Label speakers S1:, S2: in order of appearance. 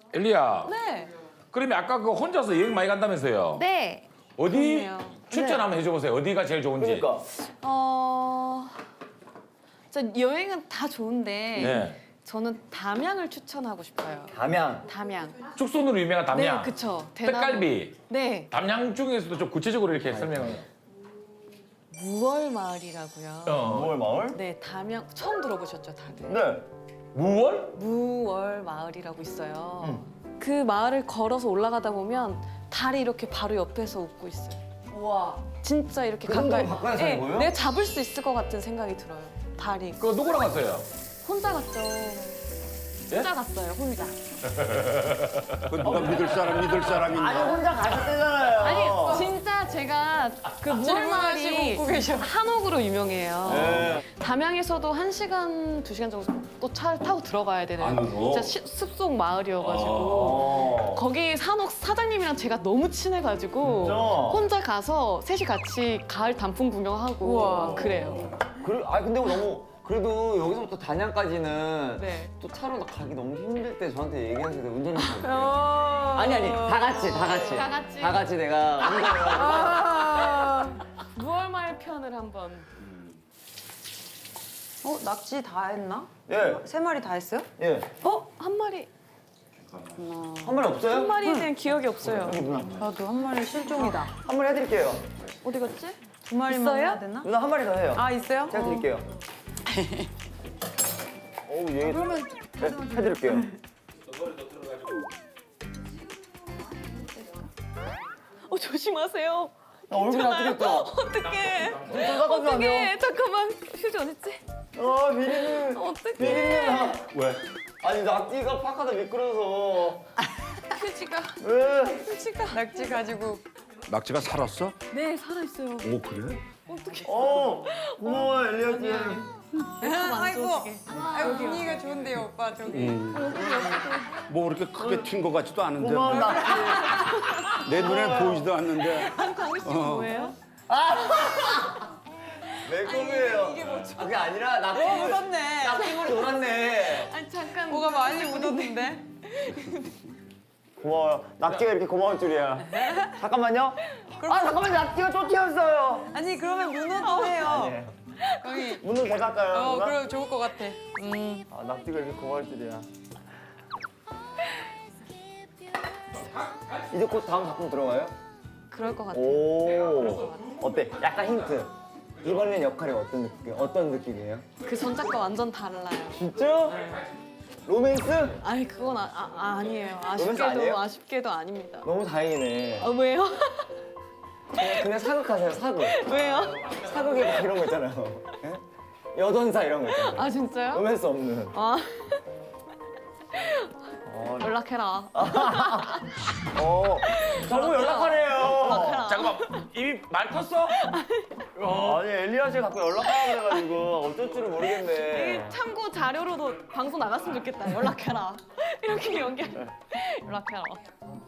S1: 엘리야.
S2: 네.
S1: 그러면 아까 그 혼자서 여행 많이 간다면서요?
S3: 네.
S1: 어디
S3: 그렇네요.
S1: 추천 한번 해줘보세요. 어디가 제일 좋은지.
S4: 그러니까.
S3: 저 여행은 다 좋은데
S1: 네.
S3: 저는 담양을 추천하고 싶어요.
S4: 담양.
S3: 담양.
S1: 축선으로 유명한 담양.
S3: 네, 그쵸.
S1: 떡갈비.
S3: 네.
S1: 담양 중에서도 좀 구체적으로 이렇게 설명을.
S3: 무월 마을이라고요.
S4: 5월 마을?
S3: 네, 담양 처음 들어보셨죠, 다들?
S4: 네.
S1: 무월?
S3: 무월 마을이라고 있어요. 그 마을을 걸어서 올라가다 보면 달이 이렇게 바로 옆에서 웃고 있어요.
S2: 와.
S3: 진짜 이렇게
S4: 그 정도로 가까이 사는 거예요?
S3: 내가 잡을 수 있을 것 같은 생각이 들어요. 달이.
S1: 그거 누구랑 갔어요?
S3: 혼자 갔죠. 혼자 갔어요, 혼자.
S5: 그 누가 믿을 사람 있나?
S4: 아니 혼자 가셨대잖아요.
S3: 아니, 진짜 제가 그 무월 마을이
S2: 웃고 계셔.
S3: 한옥으로 유명해요.
S4: 네.
S3: 담양에서도 1시간, 2시간 정도 또 차를 타고 들어가야 되는
S5: 안으로?
S3: 진짜 숲속 마을이어가지고 거기 산옥 사장님이랑 제가 너무 친해가지고
S4: 진짜?
S3: 혼자 가서 셋이 같이 가을 단풍 구경하고
S2: 우와.
S3: 막 그래요.
S4: 아 근데 너무 그래도 여기서부터 단양까지는
S3: 네.
S4: 또 차로 가기 너무 힘들 때 저한테 얘기하세요. 내가 운전해서 갈게요.
S2: 어.
S4: 아니 다 같이
S3: 다 같이.
S4: 내가 운전을
S2: 아.
S3: 무얼마을 편을 한번.
S2: 낙지 다 했나?
S4: 예.
S2: 3마리 다 했어요?
S4: 예.
S3: 한 마리.
S4: 한 마리 없어요?
S3: 한 마리는 기억이 없어요.
S4: 여기 누나.
S2: 나도 한 마리 실종이다.
S4: 한 마리 해드릴게요.
S3: 어디 갔지?
S2: 2마리만
S3: 있어요?
S2: 해야 되나?
S4: 누나 한 마리 더 해요.
S2: 아, 있어요?
S4: 제가 드릴게요. 어우 얘.
S2: 그러면
S4: 네, 해드릴게요.
S3: 조심하세요.
S4: 나 얼굴이 아프겠다.
S3: 어떡해.
S4: 잠깐만요.
S3: 어떡해. 잠깐만. 휴지 어딨지?
S4: 미리는.
S3: 어떡해.
S4: 미리는.
S5: 왜?
S4: 아니 낙지가 파카다 미끄러서.
S3: 휴지가.
S4: 왜?
S3: 휴지가.
S2: 낙지 가지고.
S5: 낙지가 살았어?
S3: 네, 살아있어요.
S5: 오 그래?
S3: 어떡해.
S4: 고마워 엘리아 씨.
S2: 아이고. 아이고, 분위기가 좋은데요, 오빠, 저기.
S5: 뭐 그렇게 크게 튄 것 같지도 않은데
S4: 고마워 낙지.
S5: 내 눈에 보이지도 않는데
S3: 강희 씨는 뭐예요?
S4: 내 꿈이에요. 이게 뭐죠? 그게 아니라 낙지.
S2: 묻었네.
S4: 낙지물이 놀았네.
S3: 아니, 잠깐.
S2: 뭐가 많이 묻었는데?
S4: 고마워요. 낙지가 이렇게 고마울 줄이야. 잠깐만요. 잠깐만요. 낙지가 쫓겨왔어요.
S2: 아니, 그러면 문어도 해요. 거기.
S4: 문을 더 닦아요. 누나?
S2: 그럼 좋을 것 같아.
S4: 낙지가 이렇게 고마울 줄이야. 이제 곧 다음 작품 들어가요?
S3: 그럴 것 같아요.
S4: 오. 어때? 약간 힌트. 이번엔 역할이 어떤 느낌이에요?
S3: 그 전작과 완전 달라요.
S4: 진짜? 로맨스?
S3: 아니, 그건 아니에요.
S4: 로맨스 아니에요?
S3: 아쉽게도 아닙니다.
S4: 너무 다행이네.
S3: 왜요?
S4: 그냥 사극하세요, 사극.
S3: 왜요?
S4: 사극에 막 이런 거 있잖아요. 예? 여전사 이런 거 있잖아요.
S3: 아, 진짜요?
S4: 로맨스 없는.
S3: 아. 연락해라.
S4: 자꾸 연락하래요.
S3: 연락해라.
S1: 잠깐만, 이미 말 컸어?
S4: 아니 엘리아 씨 자꾸 연락하라 그래가지고 어쩔 줄을 모르겠네.
S3: 이 참고 자료로도 방송 나갔으면 좋겠다. 연락해라. 이렇게 연기해. 연락해라.